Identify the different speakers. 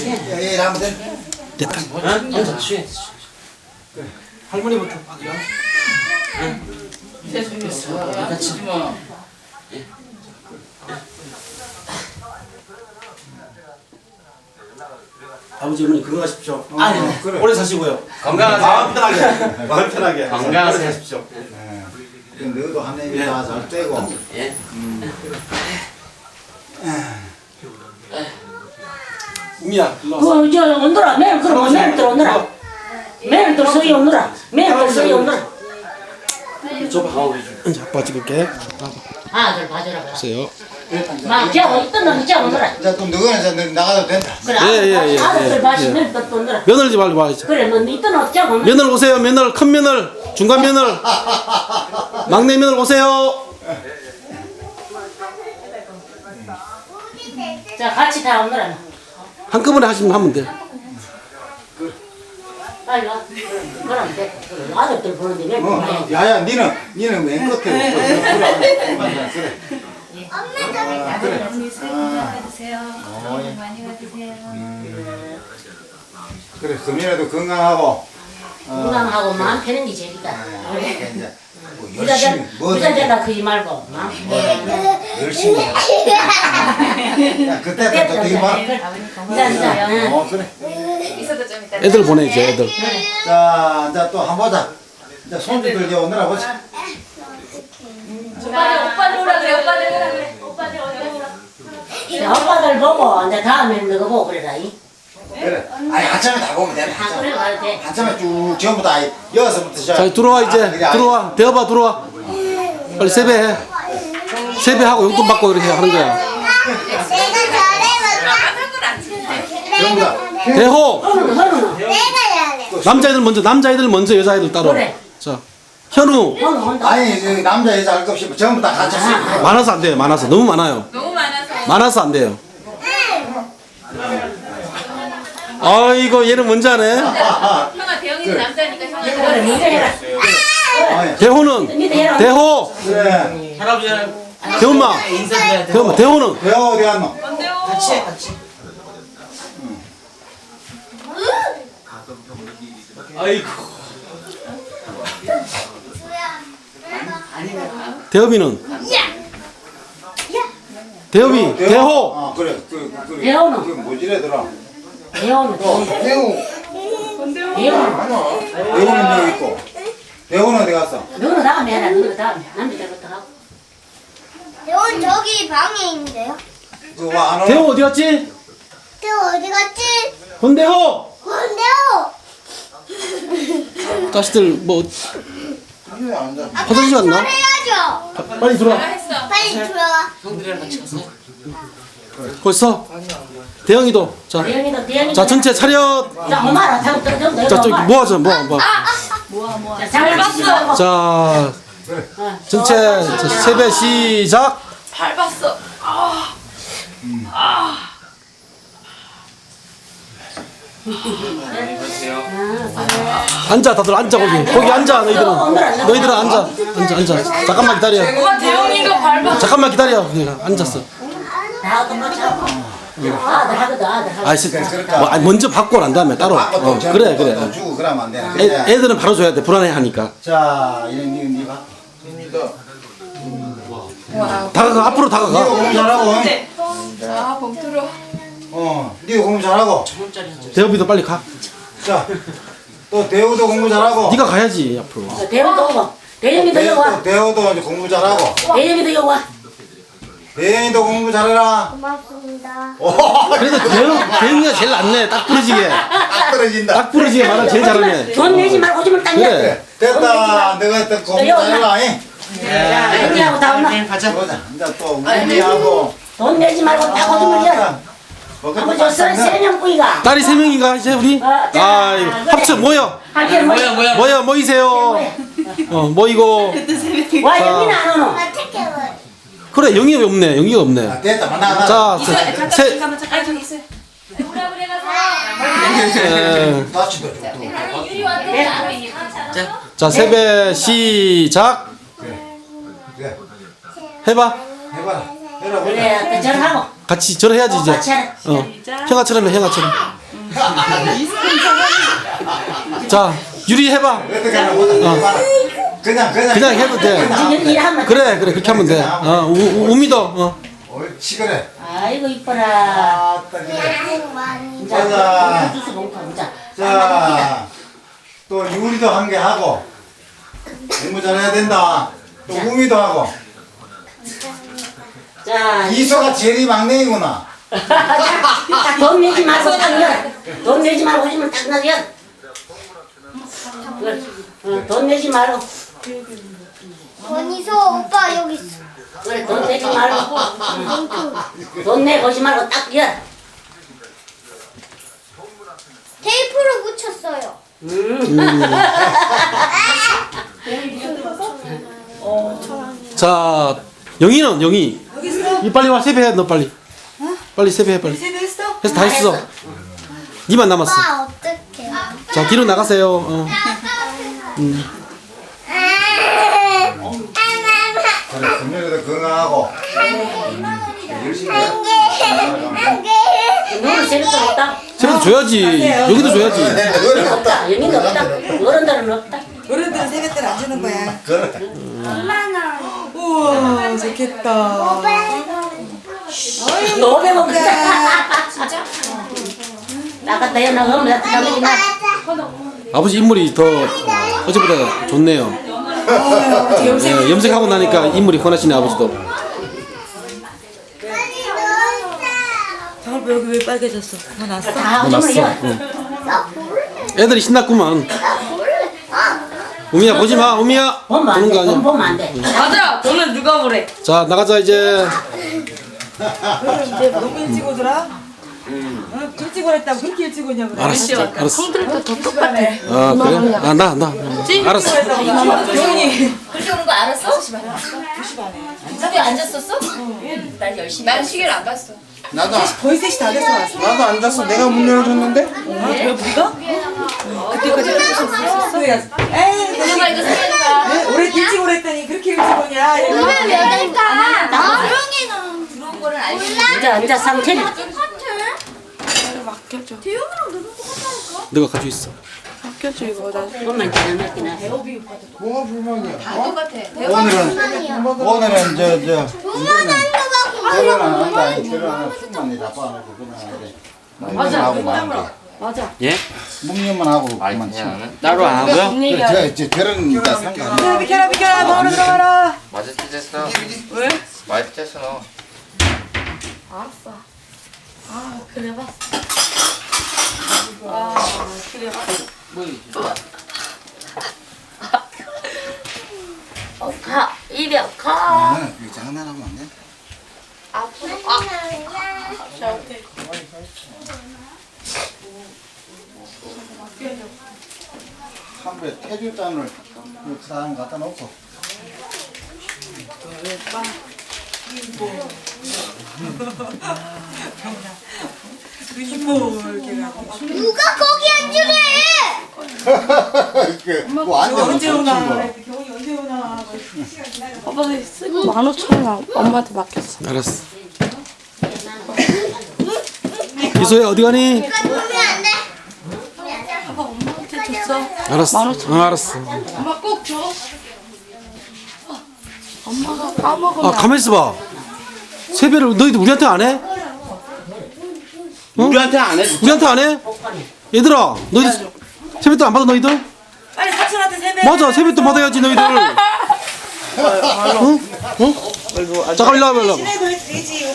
Speaker 1: 예, 하면 돼.
Speaker 2: 됐다.
Speaker 3: 앉아 쉬어.
Speaker 1: 할머니부터.
Speaker 3: 같이 뭐.
Speaker 2: 아버지 어머니 건강하십시오.
Speaker 3: 아니,
Speaker 1: 그래.
Speaker 2: 오래 사시고요.
Speaker 3: 건강하세요.
Speaker 2: 마음 편하게. 마음 편하게.
Speaker 3: 건강하세요.
Speaker 2: 하십시오.
Speaker 1: 너도 하나님이 다잘 떼고.
Speaker 3: 예.
Speaker 2: 우미야, 일로 와서.
Speaker 4: 저 온더라 매일 그럼 매일 또 온더라 매일 또 서희 온더라 매일 또 서희 온더라
Speaker 2: 줘봐. 이제 아빠 찍을게.
Speaker 4: 아들 봐주라
Speaker 2: 보세요.
Speaker 4: 막 제가 있던 놈이 제가 온더라
Speaker 1: 이제 또 너는 이제 나가도 된다.
Speaker 4: 그래
Speaker 2: 예,
Speaker 4: 아들
Speaker 2: 예.
Speaker 4: 봐시면 또 온더라
Speaker 2: 며느리 좀 빨리 와야죠.
Speaker 4: 그래 너 있던 놈 제가 온더라
Speaker 2: 며느리 오세요. 며느리 큰 며느리, 중간 며느리, 막내 며느리 오세요.
Speaker 4: 자 같이 다 온더라
Speaker 2: 한꺼번에 하면 돼.
Speaker 4: 빨리 와 그럼 돼 아들들 보는데 왜 그래
Speaker 1: 야야, 니는 맨 끝에. 그래.
Speaker 5: 언니 새해 복 많이 받으세요. 복 많이 받으세요.
Speaker 1: 그래, 금이라도 건강하고.
Speaker 4: 건강하고 마음 편한 게 제일이다
Speaker 1: 이제 뭐 열심히 뭐든
Speaker 4: 부자되다 그러지 말고 마음
Speaker 1: 열심히 해. 야, 그때부터 되게 막.
Speaker 4: 부자
Speaker 1: 그래.
Speaker 5: 있어도 좀 이따.
Speaker 2: 애들 보내야지, 애들.
Speaker 1: 자, 이제 또 한번 보자. 이제 손주들 이제 오느라 보자.
Speaker 5: 오빠들 오라 그래. 오빠들 오라 그래. 오빠들 어디 오라.
Speaker 4: 오빠들 보고 이제 다음에는 너가 보고 그래라
Speaker 1: 그래. 아니, 한참에 다 보면 돼.
Speaker 4: 다 그래 가도 돼
Speaker 1: 한참에 쭉 전부 다 여기서부터 시작.
Speaker 2: 자, 들어와 이제.
Speaker 1: 그래,
Speaker 2: 들어와. 대어봐, 들어와. 빨리 세배해. 세배하고 용돈 받고 이렇게 하는 거야.
Speaker 5: 내가 잘해봤다.
Speaker 1: 전부 다.
Speaker 2: 대호.
Speaker 4: 현우
Speaker 2: 남자애들 먼저, 여자애들 따로.
Speaker 4: 그래.
Speaker 2: 자, 현우.
Speaker 4: 온다
Speaker 1: 아니, 저 남자 여자 할 것 없이 전부 다 같이 쓰고.
Speaker 2: 많아서 안 돼요. 많아서 너무 많아요.
Speaker 5: 너무 많아서.
Speaker 2: 많아서 안 돼요. 아이고 얘는 먼저 하네.
Speaker 5: 형아 대형이는 남자니까 형아.
Speaker 4: 그래 문제 해라
Speaker 1: 아니,
Speaker 2: 대호는 대호.
Speaker 1: 그래.
Speaker 3: 할아버지랑
Speaker 2: 대엄마.
Speaker 3: 인사드려야 돼.
Speaker 2: 대엄마. 대호는
Speaker 1: 배워 어디 갔노?
Speaker 5: 뭔데요?
Speaker 3: 같이 해, 같이. 아이고.
Speaker 2: 대업이는 대업이 대호.
Speaker 1: 아, 그래.
Speaker 4: 대호는?
Speaker 1: 그 뭐지래더라?
Speaker 4: 대호는
Speaker 1: 대호.
Speaker 4: 대호는
Speaker 1: 대호는 여기 있고. 대호는 어디 갔어?
Speaker 4: 너는 다음에 해라 너는 다음에 남자들부터 하고
Speaker 6: 대원 저기 방에 있는데요.
Speaker 1: 그와 안 오나?
Speaker 2: 대호 어디 갔지?
Speaker 6: 대원 어디 갔지?
Speaker 2: 권대호.
Speaker 6: 뭔데요?
Speaker 2: 자식들 뭐 화장실 갔나?
Speaker 6: 잘해야죠.
Speaker 2: 빨리 들어와.
Speaker 5: 했어.
Speaker 6: 빨리 들어와.
Speaker 3: 형들이랑 같이 갔어요?
Speaker 2: 벌써 대영이도 자,
Speaker 4: 대형이도 대형이
Speaker 2: 자 전체 차렷.
Speaker 4: 자 엄마라 자
Speaker 2: 자 저기 모아줘 모아.
Speaker 4: 잘 봤어
Speaker 2: 자 전체 자, 세배 시작.
Speaker 5: 밟았어.
Speaker 2: 앉아 다들 앉아 거기 앉아 너희들은 앉아 잠깐만 기다려.
Speaker 5: 엄마 대형이가 밟았어.
Speaker 2: 잠깐만 기다려. 그냥 앉았어.
Speaker 4: 나도 뭐 참. 아들 하거든 아들 하거든
Speaker 2: 아니 먼저 받고 난 다음에 따로. 그래.
Speaker 1: 또 주고 그러면 안 되나?
Speaker 2: 애들은 바로 줘야 돼. 불안해하니까.
Speaker 1: 자, 니 가.
Speaker 2: 다가가 앞으로
Speaker 1: 니가
Speaker 2: 다가가.
Speaker 1: 공부 잘하고.
Speaker 5: 자 봉투로.
Speaker 1: 니가 공부 잘하고.
Speaker 2: 대업이도 빨리 가.
Speaker 1: 자, 또 대호도 공부 잘하고.
Speaker 2: 네가 가야지 앞으로.
Speaker 4: 대형이도 오고 대형이도 여기 와
Speaker 1: 대호도 이제 공부 잘하고.
Speaker 4: 대형이도 여기 와
Speaker 1: 대인이도 공부 잘해라.
Speaker 6: 고맙습니다.
Speaker 2: 그래도 대영이가 제일 낫네. 딱 부러지게.
Speaker 1: 딱 떨어진다.
Speaker 2: 딱 부러지게 말하면 제일 잘하네.
Speaker 4: 돈 내지 말고 좀 땅이야
Speaker 2: 그래.
Speaker 1: 됐다. 내가 했던 공부 잘해라. 잉?
Speaker 4: 자 언니하고 다 온나
Speaker 1: 보자. 이제 또 우리하고.
Speaker 4: 돈 내지 말고 다 오줌을 야 아버지 저는 세명 꾸이가
Speaker 2: 딸이 3명인가 이제 우리? 아 합쳐 모여.
Speaker 4: 한편
Speaker 3: 뭐야?
Speaker 2: 모이세요. 모이고.
Speaker 4: 와 여기는 안 오노
Speaker 2: 그래 영희가 없네. 영희가 없네.
Speaker 1: 아, 됐다. 만나.
Speaker 2: 자, 세.
Speaker 5: 잠깐만 잠깐 있어. 오라 그래 가서.
Speaker 1: 다치도 좋고.
Speaker 5: 유리 왔다.
Speaker 2: 자 세배 시작.
Speaker 1: 그래.
Speaker 2: 해봐.
Speaker 1: 해봐라. 해라.
Speaker 4: 그래 저를 하고
Speaker 2: 같이 절해야지 이제.
Speaker 4: 같이 하라
Speaker 2: 형아처럼 해 형아처럼. 자, 유리 해봐.
Speaker 1: 어떻게 하나 보자. 그냥
Speaker 2: 그냥 해도 돼.
Speaker 4: 일하면.
Speaker 2: 그래, 그렇게 하면 돼. 우미도.
Speaker 1: 옳지 그래.
Speaker 4: 아이고 이뻐라.
Speaker 1: 아따 그래.
Speaker 4: 자,
Speaker 1: 가자.
Speaker 4: 주스 먹고 자.
Speaker 1: 자, 또 유리도 한 개 하고 공부 잘해야 된다. 또 우미도 하고.
Speaker 4: 자,
Speaker 1: 이소가 제일 막내이구나.
Speaker 4: 돈 내지 말고 딱 열. 돈 내지 말고 오시면 딱 나 열. 돈 내지 말고.
Speaker 6: 원희소 오빠 여기 있어.
Speaker 4: 그래, 돈 내지 말고. 돈 내고 오지 말고 딱 열.
Speaker 6: 테이프로 붙였어요.
Speaker 2: 자, 영희는 영희. 이 빨리 와 세배해 너 빨리. 빨리 세배해 빨리.
Speaker 7: 세배했어?
Speaker 2: 해서 다 했어. 니만 남았어.
Speaker 6: 오빠 어떡해.
Speaker 2: 자, 뒤로 나가세요.
Speaker 1: 그래, 금요일에도 건강하고. 열심히 해.
Speaker 4: 너는 세뱃돈 없다.
Speaker 2: 세배도 줘야지. 여기도 줘야지.
Speaker 4: 없다. 여기는 없다. 어른들은 없다.
Speaker 7: 어른들은 세뱃돈 안 주는 거야.
Speaker 1: 그래.
Speaker 7: 우와, 좋겠다.
Speaker 4: 500원 그자. 진짜? 나갔다 요 나가면 나가지 마.
Speaker 2: 아버지 인물이 더 어제보다 좋네요. 예, 염색하고 나니까 인물이 권하시네 아버지도.
Speaker 7: 장을 여기 왜 빨개졌어? 다 났어?
Speaker 4: 다
Speaker 2: 났어.
Speaker 4: 오줌을
Speaker 2: 애들이 신났구만. 우미야 보지 마. 우미야.
Speaker 4: 보면 안
Speaker 2: 보는
Speaker 4: 돼.
Speaker 2: 거 아니야.
Speaker 4: 돈 보면 안 돼.
Speaker 5: 맞아. 저는 누가 보래?
Speaker 2: 자, 나가자 이제.
Speaker 7: 이제 너무 일찍 오더라? 응, 일찍 오랬다고 그렇게 일찍 오냐고.
Speaker 2: 알았어. 알았어.
Speaker 5: 형들도 더 똑같아.
Speaker 2: 아, 그래? 아, 나. 알았어.
Speaker 7: 조용히.
Speaker 5: 그렇게 오는 거 알았어? 2시 반에. 집에 앉았었어? 난 열심히. 난 시계를 안 봤어.
Speaker 1: 나도
Speaker 7: 거의 3시 다 돼서 왔어.
Speaker 1: 나도 앉았어. 내가 문 열어줬는데.
Speaker 7: 왜 우리가? 그때까지 했었어. 에이,
Speaker 5: 누가 이거 생각해봐.
Speaker 7: 오래 일찍 오랬더니 그렇게 일찍 오냐?
Speaker 6: 오늘 몇 일까? 나
Speaker 5: 들어온 거는 알지.
Speaker 4: 이제 상태.
Speaker 2: 너가 가지고 있어.
Speaker 4: 그것만 지나면 해.
Speaker 1: 뭐가 불만이야?
Speaker 5: 다 똑같아.
Speaker 1: 오늘은 결혼 안 한다. 결혼 안 하고 술만 내 잡아놓고 그냥 하는데. 맞아.
Speaker 5: 맞아.
Speaker 8: 예?
Speaker 1: 묵념만 하고 그만 치.
Speaker 8: 따로 안 하고요?
Speaker 1: 그래, 저 결혼이니까 상관.
Speaker 7: 비켜라, 먹으러 들어가라.
Speaker 8: 맞아 찢었어. 왜? 많이 찢었어 너.
Speaker 4: 가. 이려 가.
Speaker 1: 이거 장난하면 안 돼? 한배 태주잔을 사람 갖다 놓고.
Speaker 6: 누가 거기 앉으래?
Speaker 1: 뭐 앉아
Speaker 7: 언제 오나?
Speaker 1: 놓고
Speaker 7: 경훈이 언제 오나?
Speaker 5: 오빠가 쓰고 15,000원 엄마한테 맡겼어.
Speaker 2: 알았어. 이소야 어디 가니?
Speaker 6: 보면 안 돼.
Speaker 5: 엄마한테 줬어.
Speaker 2: 알았어. 알았어.
Speaker 5: 엄마 꼭 줘. 엄마가 까먹으면.
Speaker 2: 아, 가만 있어 봐. 세배를 너희들 우리한테 안 해?
Speaker 8: 우리한테 안 해.
Speaker 2: 우리한테 안 해? 얘들아, 너희들 세뱃돈 안 받아 너희들?
Speaker 7: 빨리 삼촌한테 세배.
Speaker 2: 맞아, 세뱃돈 받아야지 너희들. 응? 응? 잠깐 일로 와봐, 일로 와봐.
Speaker 7: 친해도 되지.